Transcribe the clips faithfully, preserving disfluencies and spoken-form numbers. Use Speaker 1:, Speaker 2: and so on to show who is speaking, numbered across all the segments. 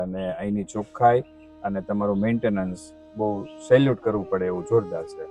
Speaker 1: અને અહીંની ચોખ્ખાઈ અને તમારું મેન્ટેનન્સ બહુ સેલ્યુટ કરવું પડે એવું જોરદાર છે.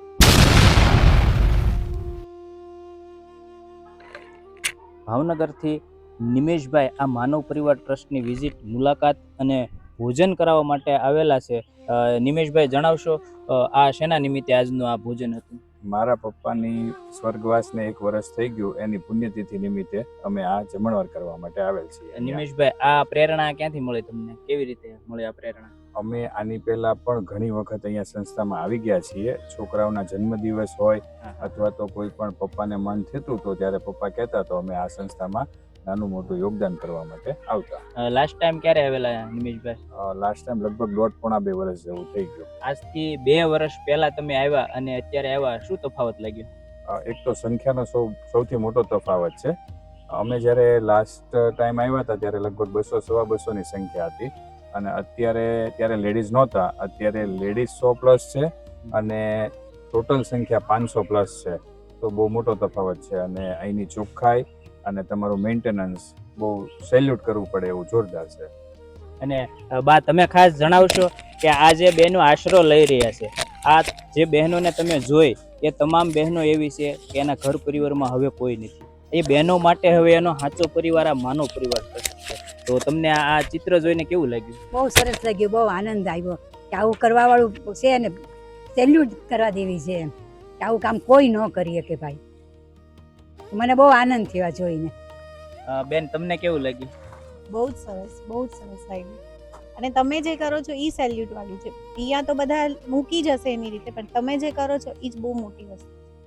Speaker 2: ભાવનગરથી નિમેશભાઈ આ માનવ પરિવાર ટ્રસ્ટની વિઝિટ, મુલાકાત અને ભોજન કરાવવા માટે આવેલા છે. નિમેશભાઈ જણાવશો આ શેના નિમિત્તે આજનું આ ભોજન હતું?
Speaker 1: મારા પપ્પાની સ્વર્ગવાસને એક વર્ષ થઈ ગયું, એની પુણ્યતિથિ નિમિત્તે અમે આ જમણવાર કરવા માટે આવેલ છીએ.
Speaker 2: નિમેશભાઈ, આ પ્રેરણા ક્યાંથી મળી તમને? કેવી રીતે મળી આ પ્રેરણા?
Speaker 1: અમે આની પહેલા પણ ઘણી વખત અહીંયા સંસ્થામાં આવી ગયા છીએ. છોકરાઓના જન્મદિવસ હોય અથવા તો કોઈ પણ પપ્પાને મન થતું તો ત્યારે પપ્પા કહેતા તો અમે આ સંસ્થામાં નાનું મોટું યોગદાન કરવા માટે આવતા.
Speaker 2: લાસ્ટ ટાઈમ ક્યારે આવેલા નિમેશભાઈ?
Speaker 1: લાસ્ટ ટાઈમ લગભગ દોઢ પોણા બે વર્ષ જેવું થઈ ગયું.
Speaker 2: આજથી બે વર્ષ પહેલા તમે આવ્યા અને અત્યારે આવ્યા, શું તફાવત લાગ્યો?
Speaker 1: એક તો સંખ્યાનો સૌ સૌથી મોટો તફાવત છે. અમે જ્યારે લાસ્ટ ટાઈમ આવ્યા હતા ત્યારે લગભગ બસો સવા બસોની સંખ્યા હતી અને અત્યારે ત્યારે લેડીઝ નહોતા. અત્યારે લેડીઝ સો પ્લસ છે અને ટોટલ સંખ્યા પાંચસો પ્લસ છે. તો બહુ મોટો તફાવત છે અને અહીંની ચોખ્ખાઈ અને તમારું મેન્ટેનન્સ બહુ સેલ્યુટ કરવું પડે એવું જોરદાર છે.
Speaker 2: અને બા, તમે ખાસ જણાવશો કે આ જે બહેનો આશરો લઈ રહ્યા છે, આ જે બહેનોને તમે જોઈ એ તમામ બહેનો એવી છે કે એના ઘર પરિવારમાં હવે કોઈ નથી. એ બહેનો માટે હવે એનો સાચો પરિવાર આ માનવ પરિવાર છે. તો તમને આ ચિત્ર જોઈને કેવું લાગ્યું?
Speaker 3: બહુ સરસ લાગ્યું, બહુ આનંદ આવ્યો કે આવું કરવા વાળું છે ને સેલ્યુટ કરવા દેવી છે કે આવું કામ કોઈ ન કરીએ કે ભાઈ. મને બહુ આનંદ થયો જોઈને.
Speaker 2: બેન, તમને કેવું લાગ્યું?
Speaker 4: બહુ જ સરસ, બહુ જ સરસ લાગ્યું. અને તમે જે કરો છો એ સેલ્યુટ વાળું છે. અહીંયા તો બધા મૂકી જશે એની રીતે, પણ તમે જે કરો છો એ જ બહુ મોટી વસ્તુ.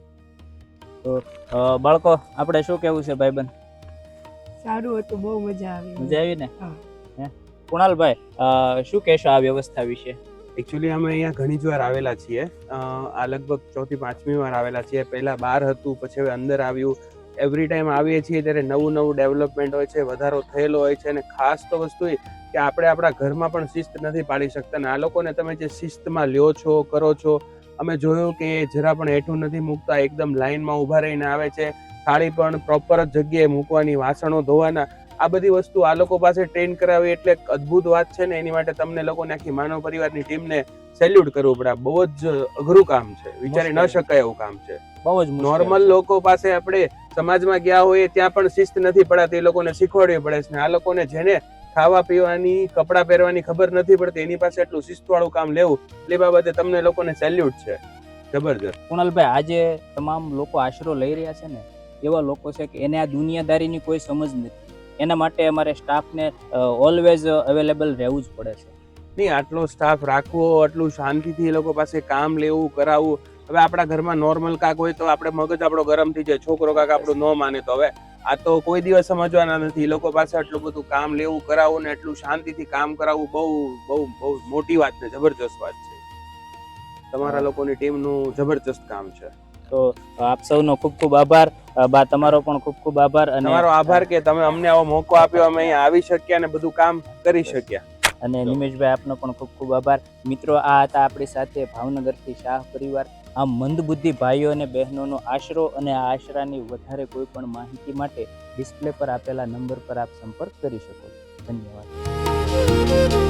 Speaker 2: તો બાળકો, આપણે શું કેવું છે ભાઈબંધ?
Speaker 5: સારું હતું, બહુ મજા આવી.
Speaker 2: મજા આવી ને? કુણાલભાઈ, શું કહેશો આ વ્યવસ્થા વિશે?
Speaker 6: એકચ્યુઅલી અમે અહીંયા ઘણી જ વાર આવેલા છીએ. આ લગભગ ચોથી પાંચમી વાર આવેલા છીએ. પહેલા બહાર હતું, પછી હવે અંદર આવ્યું. એવરી ટાઈમ આવીએ છીએ ત્યારે નવું નવું ડેવલપમેન્ટ હોય છે, વધારો થયેલો હોય છે. અને ખાસ તો વસ્તુ એ કે આપણે આપણા ઘરમાં પણ શિસ્ત નથી પાડી શકતા. ને આ લોકોને તમે જે શિસ્તમાં લ્યો છો, કરો છો, અમે જોયું કે જરા પણ હેઠું નથી મૂકતા. એકદમ લાઈનમાં ઊભા રહીને આવે છે. થાળી પણ પ્રોપર જ જગ્યાએ મૂકવાની, વાસણો ધોવાના, આ બધી વસ્તુ આ લોકો પાસે ટ્રેન કરાવી એટલે એક અદ્ભુત વાત છે ને. એની માટે તમને લોકોને આખી માનવ પરિવારની ટીમને સેલ્યુટ કરવું પડે. બહુ જ અઘરું કામ છે, વિચારી ન શકાય એવું કામ છે.
Speaker 2: બહુ જ
Speaker 6: નોર્મલ લોકો પાસે આપણે સમાજમાં ગયા હોય ત્યાં પણ શિસ્ત નથી પડાતી, એ લોકોને શીખવાડવી પડે છે. આ લોકોને જેને ખાવા પીવાની, કપડાં પહેરવાની ખબર નથી પડતી એની પાસે એટલું શિસ્તવાળું કામ લેવું, એ બાબતે તમને લોકોને સેલ્યુટ છે. જબરજસ્ત.
Speaker 2: કુણાલભાઈ, આજે તમામ લોકો આશરો લઈ રહ્યા છે ને, એવા લોકો છે કે એને આ દુનિયાદારીની કોઈ સમજ નથી. એના માટે અમારે સ્ટાફને ઓલવેઝ અવેલેબલ રહેવું જ પડે છે.
Speaker 6: નહીં, આટલો સ્ટાફ રાખવો, આટલું શાંતિથી એ લોકો પાસે કામ લેવું, કરાવવું. હવે આપણા ઘરમાં નોર્મલ કાક હોય તો આપણે મગજ આપણો ગરમ થઈ જાય, છોકરો કાક આપણું ન માને તો. હવે આ તો કોઈ દિવસ સમજવાના નથી. એ લોકો પાસે આટલું બધું કામ લેવું, કરાવવું ને એટલું શાંતિથી કામ કરાવવું બહુ બહુ બહુ મોટી વાત છે, જબરજસ્ત વાત છે. તમારા લોકોની ટીમનું જબરજસ્ત કામ છે.
Speaker 2: તો આપ સૌનો ખૂબ ખૂબ આભાર. બા, તમારો પણ ખૂબ ખૂબ આભાર. અને
Speaker 6: તમારો આભાર કે તમે અમને આવો મોકો આપ્યો, અમે અહીંયા આવી શક્યા અને બધું કામ કરી શક્યા.
Speaker 2: અને નિમેશભાઈ, આપનો પણ ખૂબ ખૂબ આભાર. મિત્રો, આ હતા આપણી સાથે ભાવનગરથી શાહ પરિવાર. આ મંદબુદ્ધિ ભાઈઓ અને બહેનોનો આશરો અને આ આશરાની વધારે કોઈ પણ માહિતી માટે ડિસ્પ્લે પર આપેલા નંબર પર આપ સંપર્ક કરી શકો. ધન્યવાદ.